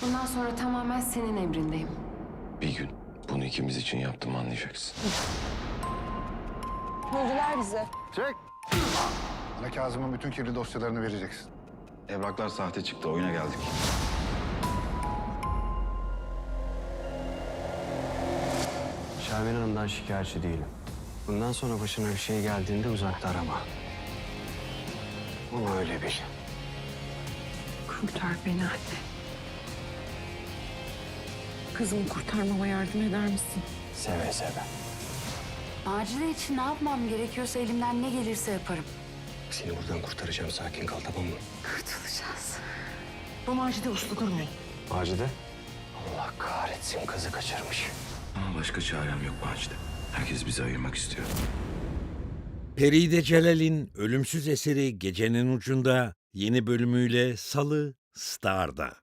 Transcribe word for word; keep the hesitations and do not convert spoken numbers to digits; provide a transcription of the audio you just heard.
Bundan sonra tamamen senin emrindeyim. Bir gün bunu ikimiz için yaptım anlayacaksın. Öldüler bizi. Çek! Bana Kazım'ın bütün kirli dosyalarını vereceksin. Evraklar sahte çıktı, oyuna geldik. Şermin Hanım'dan şikayetçi değilim. Bundan sonra başına bir şey geldiğinde uzakta arama. Onu öyle bil. Kurtar beni anne. Kızımı kurtarmama yardım eder misin? Seve seve. Macide için ne yapmam gerekiyorsa elimden ne gelirse yaparım. Seni buradan kurtaracağım. Sakin kal, tamam mı? Kurtulacağız. Bu Macide uslu durmayın. Macide? Allah kahretsin, kızı kaçırmış. Ama başka çarem yok Macide. Herkes bizi ayırmak istiyor. Peride Celal'in ölümsüz eseri Gecenin Ucunda yeni bölümüyle Salı Star'da.